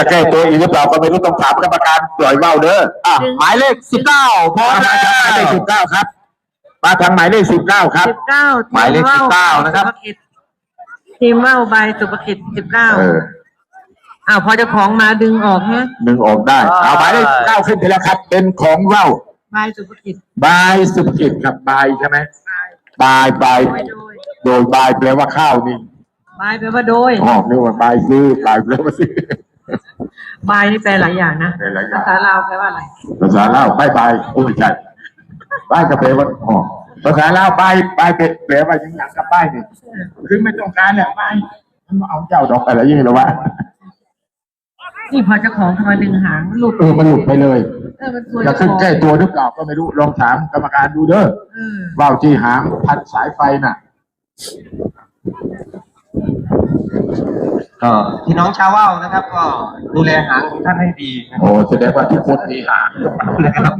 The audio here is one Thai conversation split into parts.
แก้ตัวอีกหรือเปล่าก็ไม่รู้ต้องถามกรรมการปล่อยว่าวเด้อหมายเลข19พร้อมแล้วหมายเลข19ครับมาทางหมายเลข19ครับ 19 หมายเลข19นะครับทีมว่าวใบสุภกิจ19พอเจ้าของมาดึงออกฮะดึงออกได้เอาหมายเลข9ขึ้นไปแล้วครับเป็นของว่าวใบสุภกิจครับใบใช่ไหมใบโดยใบแปลว่าข้าวนี่ใบแปลว่าโดยนี่ว่าใบซื้อใบแปลว่าซื้อใบนี่แปลหลายอย่างนะภาษาลาวแปลว่าอะไรภาษาลาวใบโอ้ยใช่ใบก็แปลว่าภาษาลาวใบแปลว่าอย่างกับใบนี่คือไม่ต้องการแหละใบมันเอาเจ้าดอกอะไรอย่างนี้หรอวะนี่พอเจ้าของมาดึงหางหลุดมันหลุดไปเลยจะขึ้นแก้ตัวหรือเปล่าก็ไม่รู้ลองถามกรรมการดูเด้อว่าวที่หางพันสายไฟน่ะก็พี่น้องชาวว่าวนะครับก็ดูแลหางของท่านให้ดีโอ้แสดงว่าทุกคนมีหางนะครับ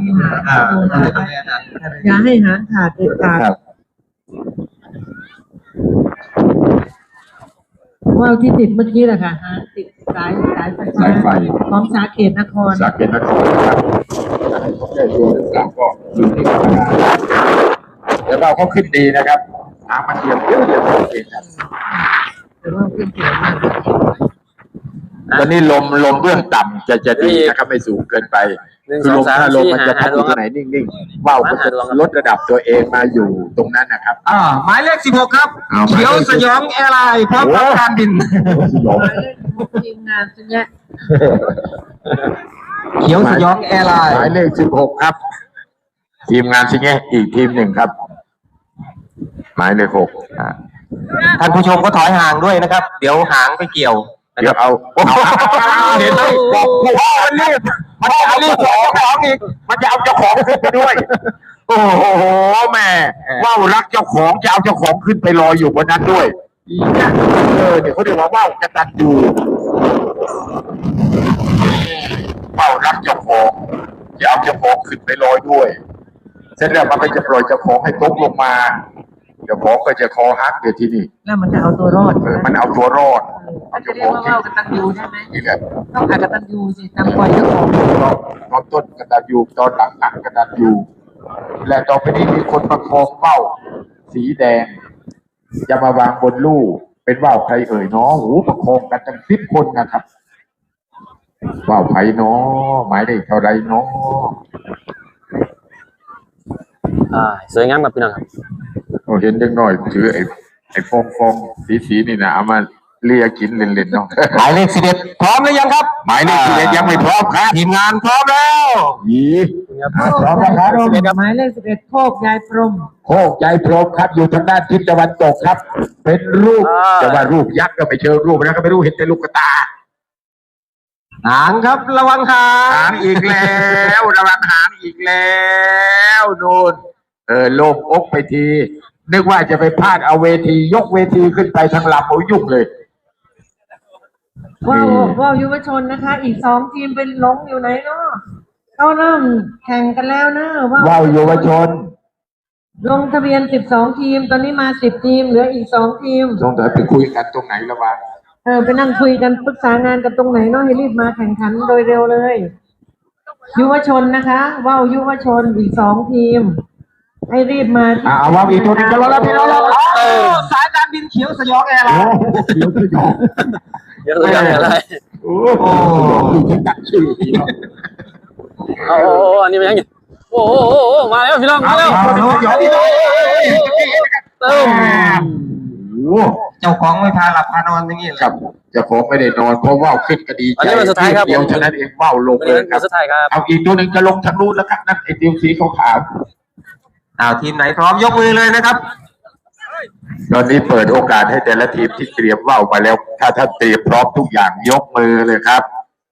อย่าให้หางขาดเด็ดขาดว่าวที่ติดเมื่อกี้แหละค่ะติดสายไฟของสาเกตนครครับแก้ตัวหรือเปล่าก็อยู่ที่กรรมการแล้วเราก็ขึ้นดีนะครับหางมันเดียวเองครับตอนนี้ลมเบื้องต่ำจะดีนะครับไม่สูงเกินไปคือถ้าลมมันจะพัดอยู่ที่ไหนนิ่งๆว่าวมันจะลดระดับตัวเองมาอยู่ตรงนั้นนะครับหมายเลข16ครับเขียวสยองแอร์ไลน์พร้อมรับการบินทีมงานสัญญาเขียวสยองแอร์ไลน์หมายเลข16ครับทีมงานสัญญาอีกทีมหนึ่งครับหมายเลข6 ท่านผู้ชมก็ถอยห่างด้วยนะครับเดี๋ยวหางไปเกี่ยวเดี๋ยวเอาเห็นไหมบอกมันรีบมันจะเอาเจ้าของอีกมันจะเอาเจ้าของขึ้นไปด้วยโอ้โหแม่ว่าวรักเจ้าของจะเอาเจ้าของขึ้นไปลอยอยู่บนนั้นด้วยเดี๋ยวเขาเรียกว่าว่าวกตัญญูว่าวรักเจ้าของจะเอาเจ้าของขึ้นไปลอยด้วยเสร็จแล้วมันก็จะปล่อยเจ้าของให้ตกลงมาเจ้าของก็จะคอหักเดี๋ยวที่นี่แล้วมันจะเอาตัวรอดมันเอาตัวรอดมันจะเรียกว่าว่าวกตัญญูใช่ไหมนี่แหละต้องหากตัญญูสิทำปล่อยเจ้าของตอนต้นกตัญญูตอนหลังกตัญญูและต่อไปนี้มีคนประคองว่าวสีแดงจะมาวางบนลู่เป็นว่าวใครเอ่ยน้องหูประคองกันตั้ง10 คนนะครับว่าวไผ่น้อหมายเลขเท่าไรน้อสวยงามแบบพี่น้องครับเห็นเด็กน้อยถือไอ้ฟองสีนี่นะเอามาเลียกินเล่นๆเนาะหมายเลข11พร้อมหรือยังครับหมายเลข11ยังไม่พร้อมครับทีมงานพร้อมแล้วพร้อมแล้วครับหมายเลข11โคกยายพรมครับอยู่ทางด้านทิศตะวันตกครับเป็นรูปแต่ว่ารูปยักษ์ก็ไม่เชิงรูปนะก็ไม่รู้เห็นแต่ลูกตาหางครับระวังหางอีกแล้วระวังหางอีกแล้วนู่นโล่งอกไปทีนึกว่าจะไปพลาดเอาเวทียกเวทีขึ้นไปทางลำโอ้ยุ่งเลยว่าวยุวชนนะคะอีก2 ทีมเป็นลงอยู่ไหนเนาะเขาเริ่มแข่งกันแล้วนะว่าวยุวชนลงทะเบียน12 ทีมตอนนี้มา10 ทีมเหลืออีก2 ทีมต้องไปคุยกันตรงไหนละวะไปนั่งคุยกันปรึกษางานกันตรงไหนเนาะให้รีบมาแข่งขันโดยเร็วเลยยุวชนนะคะว่าวยุวชนอีก2 ทีมให้รีบมาว่าวอีกตัวนึงจะรอแล้วพี่น้องสายการบินเขียวสยองแอร์ไลน์เขียวสยองอะไรโอ้ฉันตัดชื่ออันนี้มันยังไงโอ้มาแล้วพี่น้องมาแล้วเจ้าของไม่พาหลับพานอนอย่างนี้ครับเจ้าของไม่ได้นอนเพราะว่าวขึ้นก็ดีใจเดียวฉะนั้นเองว่าวลงเลยครับเอาอีกตัวหนึ่งจะลงทางนู้นแล้วครับนั่นไอ้ติวสีขาวทีมไหนพร้อมยกมือเลยนะครับตอนนี้เปิดโอกาสให้แต่ละทีมที่เตรียมว่าวมาแล้วถ้าท่านเตรียมพร้อมทุกอย่างยกมือเลยครับ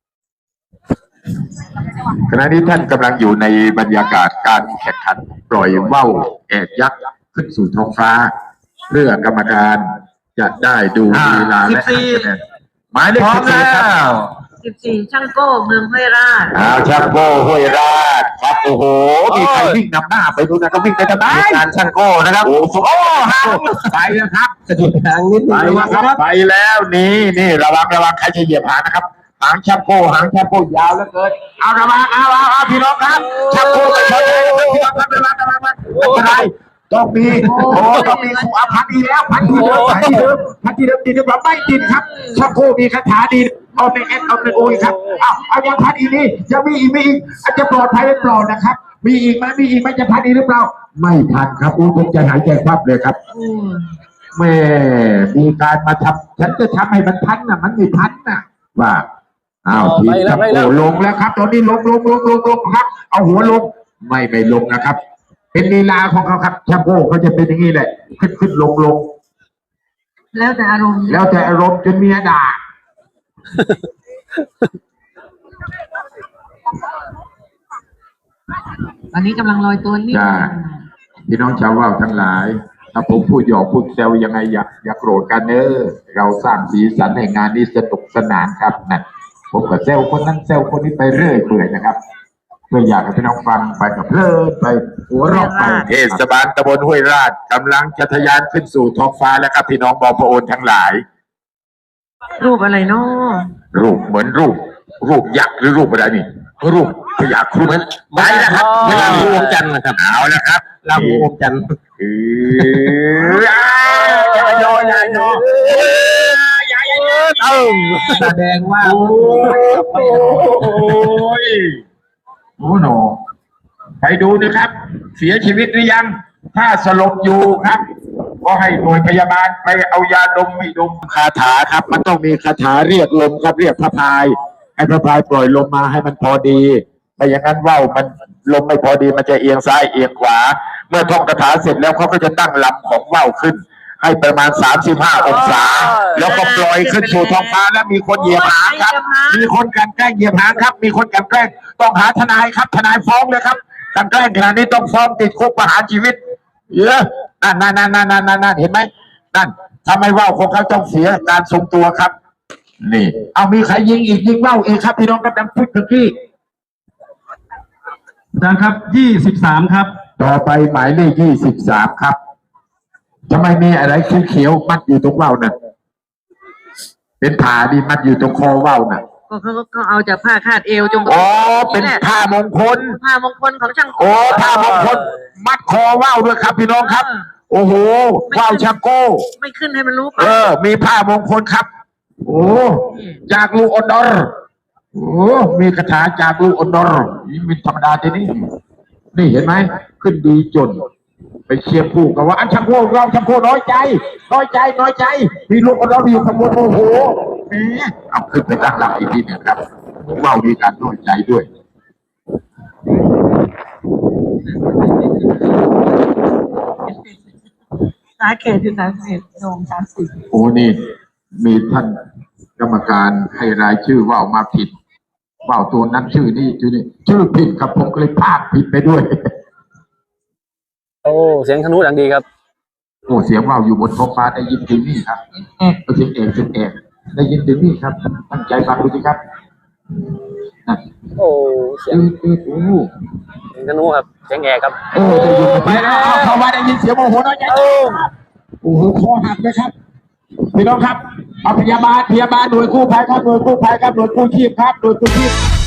ขณะนี้ท่านกำลังอยู่ในบรรยากาศการแข่งขันปล่อยว่าวแอกยักษ์ขึ้นสู่ท้องฟ้าเพื่อกรรมการจะได้ดูลีลาและหมายเลข 14ช่างโก้เมืองห้วยราชช่างโก้ห้วยราชครับโอ้โหมีใครวิ่งนำหน้าไปดูนะก็วิ่งไปทำไมการช่างโก้นะครับโอ้ไปแล้วครับสะดุดทางนิดนึงไปแล้วนี่ระวังใครจะเหยียบหางนะครับหางชักโคหางชักโคยาวเหลือเกินเอาระวังเอาพี่น้องครับชักโคไปชนเลยพี่น้องครับระวังไม่เป็นไรต้องมีต้องมีครูอภัทดีแล้วพันที่เดิมพันที่เดิมเราไม่ดินครับชักโคมีคาถาดีเอาในเอสเอาในโอยครับเอายังพันอีกนี่ยังมีอีกอาจจะปลอดภัยหรือเปล่านะครับมีอีกไหมจะพันอีกหรือเปล่าไม่ทันครับผมจะหายใจควับเลยครับแม่มีการมาทำฉันจะทำให้มันพันน่ะมันไม่พันน่ะว่าทีมชักโคลงแล้วครับตอนนี้ลงครับเอาหัวลงไม่ลงนะครับเป็นลีลาของเขาครับชักโคเขาจะเป็นอย่างนี้แหละขึ้นลงแล้วแต่อารมณ์จนเมียด่าตอนนี้กำลังลอยตัวนี่พี่น้องชาวว่าวทั้งหลายถ้าผมพูดหยอกพูดแซวยังไงอย่าโกรธกันเราสร้างสีสันในงานนี้สนุกสนานครับนั่นผมก็แซวคนนั้นแซวคนนี้ไปเรื่อยเปื่อยนะครับเพื่ออยากให้พี่น้องฟังไปกับเพลินไปหัวเราะไปเทศบาลตำบลห้วยราชกำลังจะทะยานขึ้นสู่ท้องฟ้าแล้วครับพี่น้องบอพโอนทั้งหลายรูปอะไรเนาะรูปเหมือนรูปยักษ์หรือรูปอะไรนี่รูปพญาครุฑไปนะครับเวลารวมกันนะครับเอาละครับเรารวมกันอย่าโยแสดงว่าโอ้โหไปดูนะครับ เสียชีวิตหรือยังถ้าสลบอยู่ครับก็ให้หน่วยพยาบาลไปเอายาดมให้ดมคาถาครับมันต้องมีคาถาเรียกลมครับเรียกพระพายให้พระพายปล่อยลมมาให้มันพอดีไม่อย่างนั้นว่าวมันลมไม่พอดีมันจะเอียงซ้ายเอียงขวาเมื่อท่องคาถาเสร็จแล้วเขาก็จะตั้งลำของว่าวขึ้นให้ประมาณ35 องศาแล้วก็ปล่อยขึ้นสู่ท้องฟ้าแล้วมีคนเหยียบหางครับมีคนกันแกล้งเหยียบหางครับมีคนกันแกล้งต้องหาทนายครับทนายฟ้องเลยครับกันแกล้งขนาดนี้ต้องฟ้องติดคุกประหารชีวิตเยอะนั่นเห็นไหมนั่นทำไมว่าวของเขาต้องเสียการทรงตัวครับนี่เอามีใครยิงว่าวเองครับพี่น้องกำลังพูดถึงที่นะครับ23ครับต่อไปหมายเลข23ครับทำไมมีอะไรเขียวมัดอยู่ตรงว่าวน่ะเป็นผ้าดีมัดอยู่ตรงคอว่าวน่ะเขาเอาจากผ้าคาดเอวจงเป็นผ้ามงคลของช่างผ้ามงคลมัดคอว่าวด้วยครับพี่น้องครับโอ้โหว่าวชักโก้ไม่ขึ้นให้มันรู้มีผ้ามงคลครับโอ้จากลูกอนดอร์มีคาถาจากลูกอนดอร์นี่เป็นธรรมดาทีนี้นี่เห็นไหมขึ้นดีจนไปเชียร์ผู้กับว่าอันชักโก้เราชักโก้น้อยใจมีลูกอนดอร์อยู่ขบวนโอ้โหเอาขึ้นไปตั้งหลักอีกทีนึงครับว่าวมีการน้อยใจด้วยสาเขตคือ31โด่ง30 โอ้นี่มีท่านกรรมการให้รายชื่อว่าวมาผิดว่าวตัวนั้นชื่อนี่ชื่อผิดครับผมก็เลยพากผิดไปด้วยโอ้เสียงธนูดังดีครับโอ้เสียงว่าวอยู่บนท้องฟ้าได้ยินถึงนี่ครับเสียงเอกได้ยินถึงนี่ครับตั้งใจฟังดูสิครับโอ้เสียงธนูครับเสียงแอกครับจะอยู่ไปแล้วเข้ามาได้ยินเสียงโมโหน้อยใจโอ้โหคอหักเลยครับพี่น้องครับเอาพยาบาลหน่วยกู้ภัยครับหน่วยกู้ชีพครับหน่วยกู้ชีพ